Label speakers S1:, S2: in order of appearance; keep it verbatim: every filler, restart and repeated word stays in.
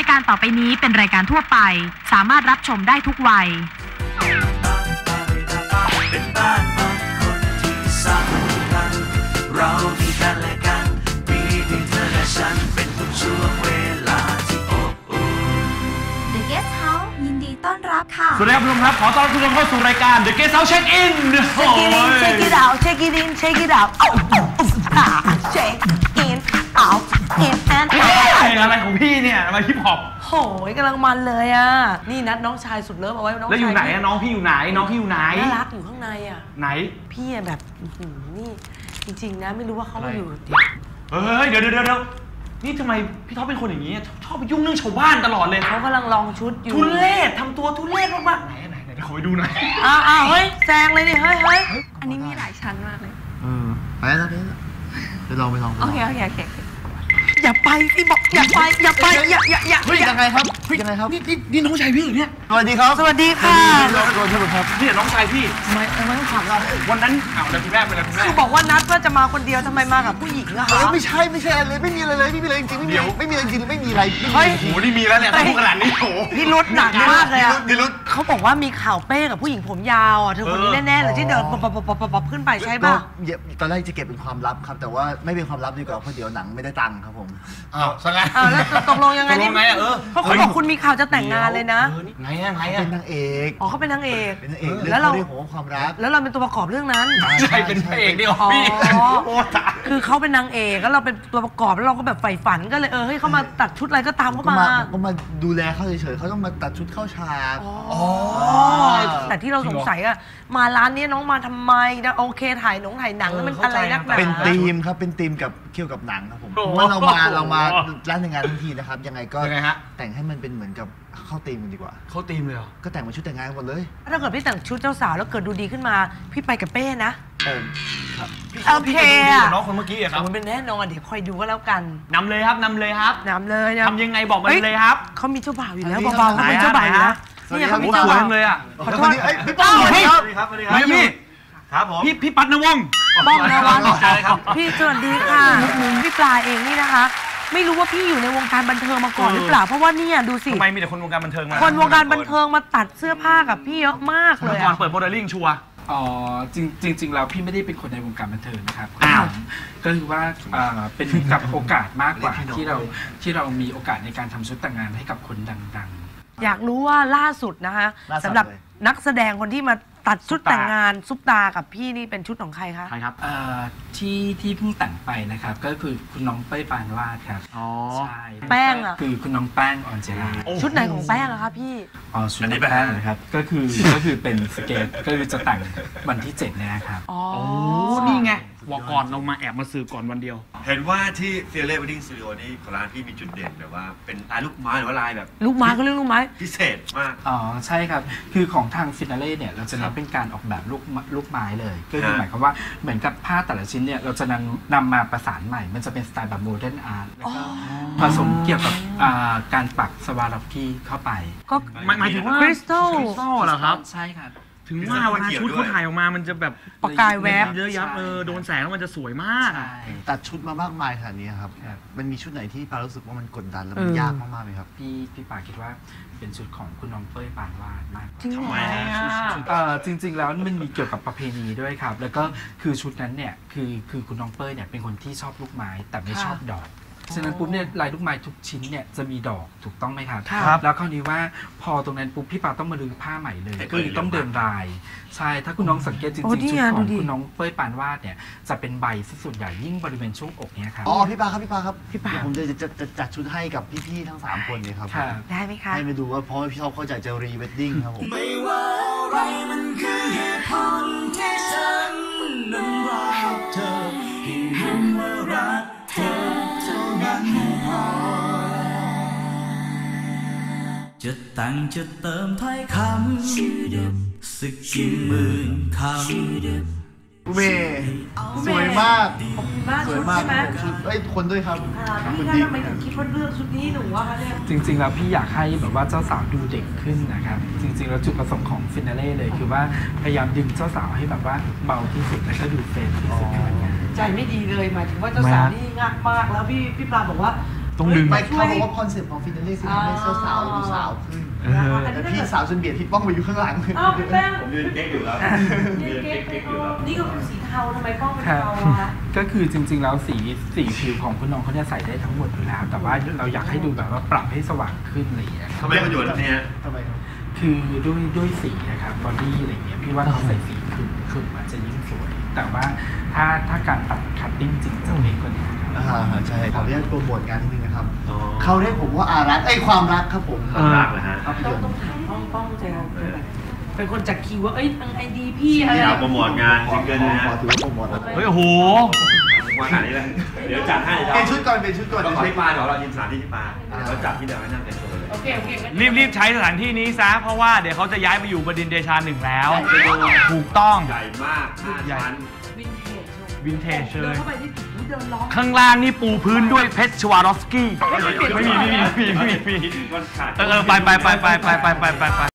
S1: ายการต่อไปนี้เป็นรายการทั่วไปสามารถรับชมได้ทุกวัย
S2: เป็นบ้านของคนที่สำคัญเรามีกันและกันมีเพียงเธอและฉันเป็นทุกช่วงเวลาที่อบอุ่น
S3: The Guest House ยินดีต้อนรับค่ะ
S4: สวัสดีครับทุกท่านครับขอต้อนรับทุกท่านเข้าสู่รายการ The Guest House Check In
S5: Check it out Check it in Check it out Check in out in and out
S4: อะไรของพี่เนี่ยมาฮิปฮอป
S5: โหยกำลังมันเลยอ่ะนี่นัดน้องชายสุดเลิฟเอาไว้น้องชาย
S4: แล้วอยู่ไหนอะน้องพี่อยู่ไหนน้องพี่อยู่ไหน
S5: น่ารักอยู่ข้างในอ่ะ
S4: ไหน
S5: พี่แบบนี่จริงๆนะไม่รู้ว่าเขามาอยู่
S4: เฮ้ยเดี๋ยวเดี๋ยวเดี๋ยวนี่ทำไมพี่ท็อปเป็นคนอย่างนี้ชอบไปยุ่งเรื่องชาวบ้านตลอดเลย
S5: เขากำลังลองชุดอยู่
S4: ทุเรศทำตัวทุเรศมากๆไหนไหนไหนขอไปดูหน่อย
S5: อ้าวอ้าวเฮ้ยแซงเลยดิเฮ้ยเฮ้ย
S3: อันนี้มีหลายชั้นมากเลย
S6: เออไปแล้วไปแล้วไปลองไปลอง
S3: โอเคโอเคโอเค
S5: อย่าไปพี่บอกอย่าไปอย่าไปอย่าอย่าอย่า
S6: เฮ้ยยังไงครับยังไงครับ
S4: นี่นี่นี่น้องชายพี่เหรอเนี่ย
S6: สวัสดีครับ
S5: สวัสดีค่ะ
S6: สวัสดีครับ
S4: นี่น้องชายพี่
S5: ทำไมทำไมต้องถามเรา
S4: วันนั้นอ้าวแล้วคุณแม่เป็นอะไรคุณแม่
S5: คือบอกว่านัดว่าจะมาคนเดียวทำไมมากับผู้หญิงอะคะ
S6: ไม่ใช่ไม่ใช่อะไรเลยไม่มีอะไรเลยไม่มีอะไรจริงไม่มีไม่มีอะไรจริงไม่มีอะไร
S5: เฮ้ย
S4: โหนี่มีแล้วเนี่ยพูดขนาดนี้โห
S5: พี่รุดหนักมากเลยอะ
S6: พี่รุด
S5: เขาบอกว่ามีข่าวเป้กับผู้หญิงผมยาวอ่ะเธอคนนี้แน่ๆเลยที่เดินปบปบปบขึ้นไปใช่ป่ะ
S6: ตอนแรกจะเก็บเป็นความลับครับแต่ว่าไม่เป็นความลับดีกว่าเพราะเดี๋ยวหนังไม่ได้ตังค์ครับผม
S4: อ้าวสังไง
S5: อ้าวแล้วตกลงยังไงนี่เพราะเขาบอกคุณมีข่าวจะแต่งงานเลยนะ
S4: ไงอะไงอะ
S6: เป็นนางเอก
S5: อ๋อเขาเป็นนางเอก
S6: เป็นนางเอกแล้วเราเรื่องของความรัก
S5: แล้วเราเป็นตัวประกอบเรื่องนั้น
S4: ใช่เป็นพระเอกดิพี่
S5: คือเขาเป็นนางเอกแล้วเราเป็นตัวประกอบแล้วเราก็แบบใฝ่ฝันก็เลยเออให้เขามาตัดชุดอะไรก็ตามเขามา
S6: ก็มาดูแลเขาเฉยๆเขาต้องมาตัดชุดเข้าฉาก
S5: อ๋อแต่ที่เราสงสัยอะมาร้านนี้น้องมาทำไมนะโอเคถ่ายหนังถ่ายหนังแล้วมันอะไรนักหนา
S6: เป็นธีมครับเป็นธีมกับเกี่ยวกับหนังครับผมเมื่อเรามาเรามาร้านในงานทั้งทีนะครับยังไงก็แต่งให้มันเป็นเหมือนกับเข้าธีมกันดีกว่า
S4: เข้าธีมเลยเหรอ
S6: ก็แต่งมาชุดแต่งงานหมดเลย
S5: ถ้าเกิดพี่แต่งชุดเจ้าสาวแล้วเกิดดูดีขึ้นมาพี่ไปกับเป้นะ
S6: เออครับ
S5: โอเคอะ
S4: น้องคนเมื่อกี้อะครับ
S5: มันเป็นแน่นอนเดี๋ยวคอยดูก็แล้วกัน
S4: นำเลยครับนำเลยครับ
S5: นำเลย
S4: ทำยังไงบอกมาเลยครับ
S5: เขามีเจ้าบ่าวอยู่แล้วเบาๆเขาเป็นเจ้าบ่าวอยู่แล้วนี่เขามีเจ้าบ่าว
S4: เลยอ่ะ
S5: ขอโทษ
S6: พี่ป้าสวัสดีครับสวัสดีครับสวัสดีครับ
S4: พี่ครับผมพี่พี่ปัดนวง
S5: บ้องนะวันพี่สวัสดีค่ะพี่ปลาเองนี่นะคะไม่รู้ว่าพี่อยู่ในวงการบันเทิงมาก่อนหรือเปล่าเพราะว่าเนี่ยดูสิ
S4: ทำไมมีแต่คนวงการบันเทิงมา
S5: คนวงการบันเทิงมาตัดเสื้อผ้ากับพี่เยอะมากเลย
S4: ก่อนเปิดโมเดลลิ่งชัวร์
S7: อ๋อจริงจริงๆแล้วพี่ไม่ได้เป็นคนในวงการบันเทิงนะครับก็คือว่าเป็นกับโอกาสมากกว่าที่เราที่เรามีโอกาสในการทำชุดแต่งงานให้กับคนดัง
S5: ๆอยากรู้ว่าล่าสุดนะคะสำหรับนักแสดงคนที่มาตัดชุดแต่งงานซุปตากับพี่นี่เป็นชุดของใครคะ
S4: ใครครับ
S7: ที่ที่เพิ่งแต่งไปนะครับก็คือคุณน้องเป้ยปานวาดครับ
S4: อ๋อ
S7: ใช่
S5: แป้งอ่ะ
S7: คือคุณน้องแป้งออนเจลา
S5: ชุดไหนของแป้งอะคะพี่
S7: อ๋อชุดแป้งนะครับก็คือก็คือเป็นสเกตก็คือจะแต่งวันที่เจ็ดนะครับ
S5: อ๋อ
S4: นี่ไงวอก่อนเรามาแอบมาสืบก่อนวันเดียว
S8: เห็นว่าที่เฟียเล่เวดดิ้งสตูดิโอนี่ของร้านพี่มีจุดเด่นแบบว่าเป็นลายลูกไม้หรือว่าลายแบบ
S5: ลูกไม้ก็เรื่องลูกไม้
S8: พิเศษมาก
S7: อ๋อใช่ครับคือของทางฟินาเล่เนี่ยเราจะเน้นเป็นการออกแบบลูกลูกไม้เลยก็คือหมายความว่าเหมือนกับผ้าแต่ละชิ้นเนี่ยเราจะนำนำมาประสานใหม่มันจะเป็นสไตล์แบบโมเดิร์นอาร์ตแล้วก็ผสมเกี่ยวกับการปักสวาร็อกกี้เข้าไป
S5: ก็
S4: หมายถึงว่า
S5: คริสตัล
S4: เหรอครับ
S7: ใช่ครับ
S4: ถึงว่าเวลาชุดเขาถ่ายออกมามันจะแบบ
S5: ประกายแวบ
S4: เยอะยับเออโดนแสงแล้วมันจะสวยมาก
S6: ตัดชุดมามากมายขนาดนี้ครับมันมีชุดไหนที่ปารู้สึกว่ามันกดดันแล้วมันยากมากๆไหมครับ
S7: พี่พี่ปาคิดว่าเป็นชุดของคุณน้องเป้ยปานวาดมาก
S5: จริงไหม
S7: จริงๆแล้วมันมีเกี่ยวกับประเพณีด้วยครับแล้วก็คือชุดนั้นเนี่ยคือคือคุณน้องเป้ยเนี่ยเป็นคนที่ชอบลูกไม้แต่ไม่ชอบดอกฉะนั้นปุ๊บเนี่ยลายลูกไม้ทุกชิ้นเนี่ยจะมีดอกถูกต้องไหมครับแล้วคราวนี้ว่าพอตรงนั้นปุ๊บพี่ปาต้องมาลื้อผ้าใหม่เลยก็เลยต้องเดินลายใช่ถ้าคุณน้องสังเกตจริงๆชุดของคุณน้องเป้ยปานวาดเนี่ยจะเป็นใบส่วนใหญ่ยิ่งบริเวณช่วงอกเนี่ยครับ
S6: อ๋อพี่ปาครับพี่ปาครับพี่ปาผมจะจะจะจัดชุดให้กับพี่ๆทั้งสามคนเลยครับ
S5: ได้ไหมคะ
S6: ให้มาดูว่าเพราะพี่ชอบเข้าใจจะรีเวดดิ้งครับผม
S2: ไม่ว่าอะไรมันคือเหตุผลที่ฉันนั้นรักเธอให้เห็นว่ารักเธอจะแต่งจะเติมถ้อยคำสักกี่หมื่นคำ
S6: ผู้เมย์สวยมากสวยมากชุดเอ้ยคนด้วยครับ
S5: พี่ทำไมถึงคิดว่าเลือกชุดนี้หนูวะคะเนี่ย
S7: จริงๆแล้วพี่อยากให้แบบว่าเจ้าสาวดูเด็กขึ้นนะครับจริงๆแล้วจุดประสงค์ของฟินาเล่เลยคือว่าพยายามดึงเจ้าสาวให้แบบว่าเบาที่สุดและก็ดูเฟรนที่สุดอะไรเงี้ย
S5: ใจไม่ดีเลยหมายถึงว่าเจ้าสาวนี่งักมากแล้วพี่พี่ปลาบอกว่า
S4: ต้องดึง
S6: ไม่เขาบอกว่าคอนเซ็ปต์ของฟินาเล่คือทำให้สาวๆดูสาวขึ้น
S4: เออ
S6: แต่พี่สาวจนเบียดพี่ป้องไปอยู่ข้างหลัง
S5: อ้าวพี่แป้ง
S8: ผมยืนเก๊กอยู่แล้วยืนเก๊กเก๊กอยู่แล้ว
S5: นี่ก็คือสีเทาทำไมป้องเป็น
S7: ครับ
S5: เทาอะ
S7: ก็คือจริงๆแล้วสีสีผิวของคุณน้องเขาจะใส่ได้ทั้งหมดอยู่แล้ว แต่ว่าเราอยากให้ดูแบบว่าปรับให้สว่างขึ้นอะไรอย่างเงี้ย
S8: ทำไมประโยชน์เนี่ย
S6: ทำไมครับ
S7: คือด้วยด้วยสีนะครับบอดี้อะไรเงี้ยพี่ว่าเขาใส่สีขึ้นขึ้นมันจะยิ่งสวย แต่ว่าถ้าถ้าการตัดคัตติ้งจริงจะเล็กกว่านี้ครับ
S6: อ่าใช่ขออนุญาตโปรโมทงานนิดนึงนะครับเขาเรียกผมว่าอารักไอ้ยความรักครับผม
S8: ความรักเหรอฮะ
S6: ภาพย
S5: ต้อง
S6: นต
S5: ต้อง
S6: ร์
S5: ถามป้องป้องจะเป็นคนจัดคิวว่าเอ้ยทางไอดีพี่อะไร
S8: ที่เราโปรโมทงาน
S6: ขอ
S8: ซิงเกิลนะ
S6: ขอ
S8: ฮะ
S6: ถือว่าโปรโมทแล้ว
S4: เฮ้ยโอ้โห
S8: วันไหนเลยเดี๋ยวจัดให้
S6: เป็นชุดก่อนเป็นชุดก่อน
S8: ต้องขอที่ปาเดี๋ยวเรายินสถานที่ที่ปาเราจัดที่เดียวให้นั่งเต็มตัวเลย
S5: โอเคโอเคงั้น
S4: รีบรีบใช้สถานที่นี้ซะ เพราะว่าเดี๋ยวเขาจะย้ายไปอยู่บดินทร์เดชาหนึ่งแล้ว ถูกต้อง
S8: ใหญ่มากห้าชั้น
S5: วินเทจเลย
S4: วินเทจเลย
S5: ดินเข้าไปที่เดินล้อม
S4: ข้างล่างนี่ปูพื้นด้วยเพชรชวารอฟสกี้ ไม่มีไม่มีไม่มีไม่มีไม่มี
S8: มันขาด
S4: เออเออไปไปไปไปไปไปไปไป